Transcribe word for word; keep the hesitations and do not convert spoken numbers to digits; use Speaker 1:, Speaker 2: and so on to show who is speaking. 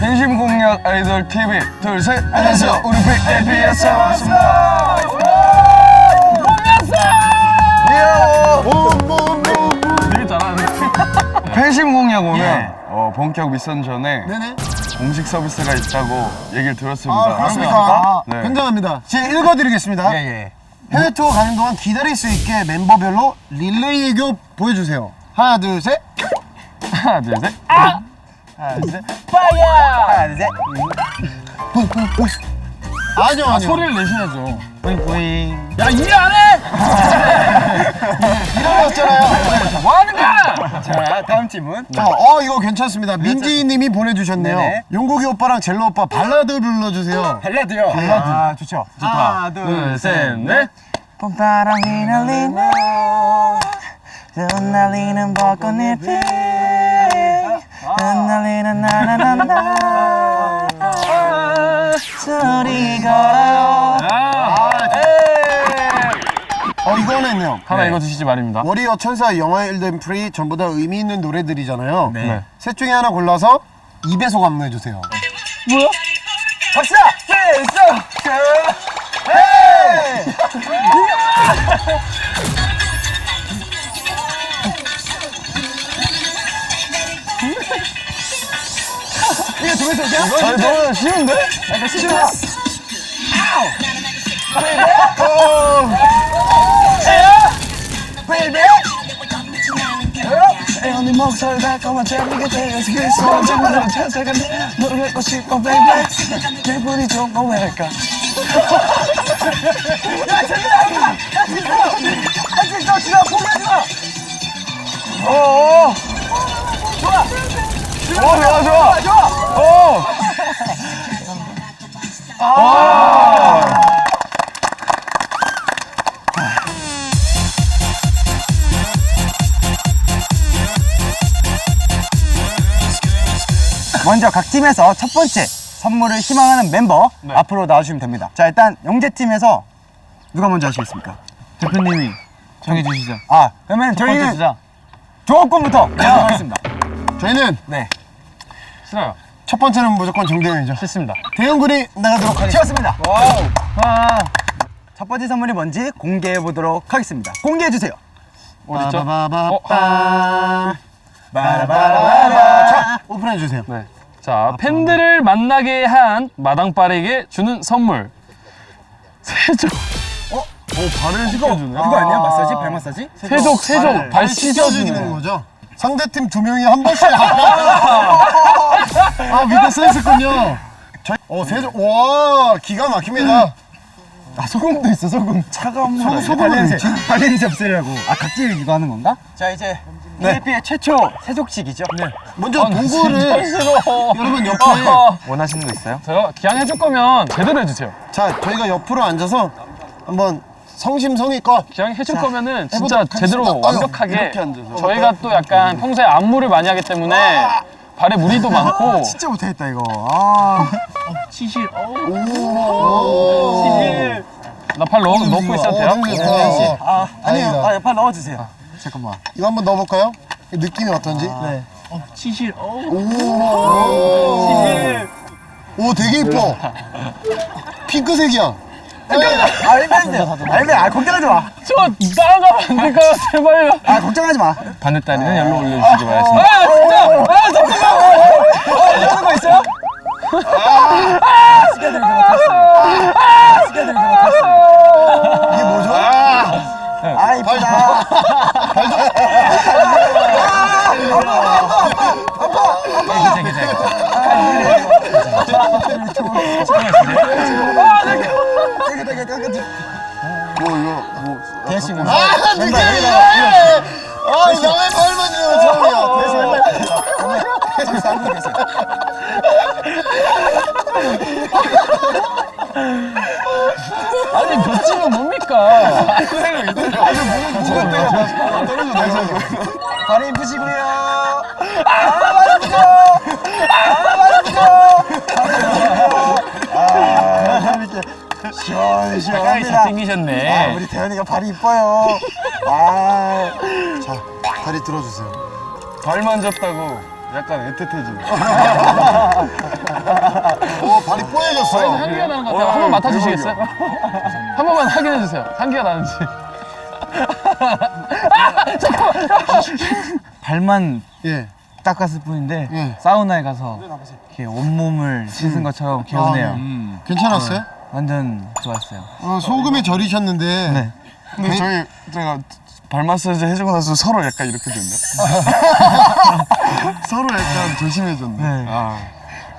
Speaker 1: 팬심 공략 아이돌 티비 둘셋 안녕하세요 우리 비에이피에스에 왔습니다. 되게 잘하네. 팬심 공략 오면
Speaker 2: 예.
Speaker 1: 어, 본격 미션 전에
Speaker 2: 네네.
Speaker 1: 공식 서비스가 있다고 얘기를 들었습니다.
Speaker 2: 아, 그렇습니까? 아,
Speaker 1: 네.
Speaker 2: 굉장합니다. 제가 읽어드리겠습니다.
Speaker 3: 예, 예.
Speaker 2: 해외 투어 가는 동안 기다릴 수 있게 멤버별로 릴레이 애교 보여주세요. 하나, 둘, 셋.
Speaker 1: 하나 둘 셋.
Speaker 3: 하나, 둘, 셋. 파이어! 하나, 둘, 셋.
Speaker 2: 아니요, 아니요.
Speaker 1: 소리를 내셔야죠.
Speaker 3: 뿌잉뿌잉.
Speaker 1: 야, 이해 안 해?
Speaker 2: 이러셨잖아요.
Speaker 1: 뭐 하는 거야?
Speaker 3: 자, 다음 질문.
Speaker 2: 자, 어, 이거 괜찮습니다. 민지 님이 보내주셨네요.
Speaker 3: 네네.
Speaker 2: 용국이 오빠랑 젤로 오빠 발라드 불러주세요.
Speaker 3: 발라드요. 발라드. 아, 좋죠.
Speaker 1: 좋다.
Speaker 3: 하나,
Speaker 1: 둘, 셋, 넷.
Speaker 3: 봄바람이 날리는 흩날리는 벚꽃잎이 흩날리는 나나나나 소리 걸어요.
Speaker 2: 어, 이거는요.
Speaker 1: 하나 읽어주시지 말입니다.
Speaker 2: 워리어, 천사, 영화 일든 프리 전부 다 의미 있는 노래들이잖아요.
Speaker 3: 네.
Speaker 2: 셋 중에 하나 골라서 이 배속 안무해주세요.
Speaker 3: 뭐야? 박수! 필수! 이게 두 배속이야?
Speaker 1: 아, 너무 쉬운데?
Speaker 3: 약간 시끄러워. 베이비! 애언니 목소리 달콤한 재미가 되어서 그 소중한 찬사가 너를 뵙고 싶어 베이비 기분이 좋은 거 왜일까 야 제대로 하지마! 야 진짜! 야 진짜 진짜 포기하지마! 오오 좋아!
Speaker 1: 오, 좋아, 좋아.
Speaker 3: 좋아!
Speaker 1: 오! 아!
Speaker 3: 먼저 각 팀에서 첫 번째 선물을 희망하는 멤버
Speaker 1: 네.
Speaker 3: 앞으로 나와주시면 됩니다. 자 일단 영재팀에서 누가 먼저 하시겠습니까?
Speaker 1: 대표님이 정해주시죠.
Speaker 3: 아 그러면 저희는
Speaker 1: 주자.
Speaker 3: 조합권부터 하겠습니다.
Speaker 2: 저희는
Speaker 3: 네
Speaker 1: 싫어요.
Speaker 2: 첫 번째는 무조건 정대현이죠.
Speaker 1: 싫습니다.
Speaker 2: 대현군이 나가도록 하겠습니다.
Speaker 3: 치웠습니다.
Speaker 1: 와우. 아,
Speaker 3: 첫 번째 선물이 뭔지 공개해 보도록 하겠습니다. 공개해 주세요.
Speaker 1: 어딨죠?
Speaker 2: 바바바밤.
Speaker 3: 바라바라바라.
Speaker 2: 자, 오픈해주세요.
Speaker 1: 네. 자, 팬들을 만나게 한 마당발에게 주는 선물. 세족.
Speaker 2: 어, 발을 씻겨주네.
Speaker 3: 그거 아니야? 마사지? 발 마사지?
Speaker 1: 세족, 세족. 발
Speaker 2: 발
Speaker 1: 씻어주는
Speaker 2: 씻겨주는 거죠. 상대팀 두 명이 한 번씩. 아, 밑에 써있었군요. 저희, 어, 세조, 와, 기가 막힙니다.
Speaker 3: 아 소금도 있어 소금. 차가운 물.
Speaker 2: 소- 소금은
Speaker 3: 발냄새.
Speaker 2: 있지?
Speaker 3: 발냄새 없애려고. 아 각질 이거 하는 건가? 자 이제 케이피의 최초 세족식이죠. 네.
Speaker 2: 먼저
Speaker 1: 아, 나
Speaker 2: 도구를
Speaker 1: 진짜 싫어.
Speaker 2: 여러분 옆에.
Speaker 1: 어,
Speaker 3: 원하시는 거 있어요?
Speaker 1: 제가 기왕 해줄 거면 제대로 해주세요.
Speaker 2: 자, 저희가 옆으로 앉아서 한번 성심성의껏.
Speaker 1: 기왕 해줄
Speaker 2: 자,
Speaker 1: 거면은 진짜
Speaker 2: 해보도록
Speaker 1: 제대로
Speaker 2: 하겠습니다. 아유,
Speaker 1: 완벽하게.
Speaker 2: 이렇게 앉아서.
Speaker 1: 저희가 또 약간 평소에 안무를 많이 하기 때문에 발에 무리도 많고.
Speaker 3: 진짜 못하겠다 이거. 아.
Speaker 1: 치실. 치실. 나 팔 넣고 있어도 돼요?
Speaker 2: 어, 오,
Speaker 3: 아 아니요.
Speaker 2: 다행이다.
Speaker 3: 아, 빨리 넣어주세요. 잠깐만.
Speaker 2: 이거 한번 넣어볼까요? 느낌이 어떤지?
Speaker 3: 네.
Speaker 1: 치실.
Speaker 2: 오, 되게 이뻐. 핑크색이야.
Speaker 3: 알면 알면 아 걱정하지 마.
Speaker 1: 저 나가면 안 될까요? 제발요.
Speaker 3: 아 걱정하지 마.
Speaker 1: 바늘다리는 열로 올려주시기 바랍니다. 아, 진짜! 아, 잠깐만!
Speaker 3: 하는 거 있어요? 아, 스케줄이 못했어. 스케줄이 못했어.
Speaker 2: 이게 뭐죠?
Speaker 3: 아 이쁘다.
Speaker 1: 괜찮아, 괜찮아.
Speaker 2: 뭐, 이거, 뭐.
Speaker 3: 대신
Speaker 2: 아, 느낌이 이상해! 아, 남의 발만 이러면 처음이야.
Speaker 1: 아니, 몇 집은 뭡니까?
Speaker 3: 발이 이쁘시고요. 아 말이죠. 아 말이죠. 아 이렇게
Speaker 1: 가까이
Speaker 3: 시원시원합니다.
Speaker 1: 잘생기셨네.
Speaker 3: 아 우리 대현이가 발이 이뻐요. 아
Speaker 2: 자, 다리 들어주세요.
Speaker 1: 발 만졌다고 약간 애틋해지네.
Speaker 2: 오 발이 뽀얘졌어요.
Speaker 3: 향기가 나는 것 같아요. 한 번 맡아주시겠어요? 한 번만 확인해 주세요. 향기가 나는지.
Speaker 4: 발만
Speaker 2: 예.
Speaker 4: 닦았을 뿐인데
Speaker 2: 예.
Speaker 4: 사우나에 가서 이렇게 온몸을 씻은 것처럼 개운해요.
Speaker 2: 아, 괜찮았어요?
Speaker 4: 완전 좋았어요.
Speaker 2: 어, 소금에 절이셨는데
Speaker 4: 네.
Speaker 1: 근데 저희 제가 발 마사지 해주고 나서 서로 약간 이렇게 됐네. 서로 약간 조심해졌네.
Speaker 4: 네.
Speaker 1: 아.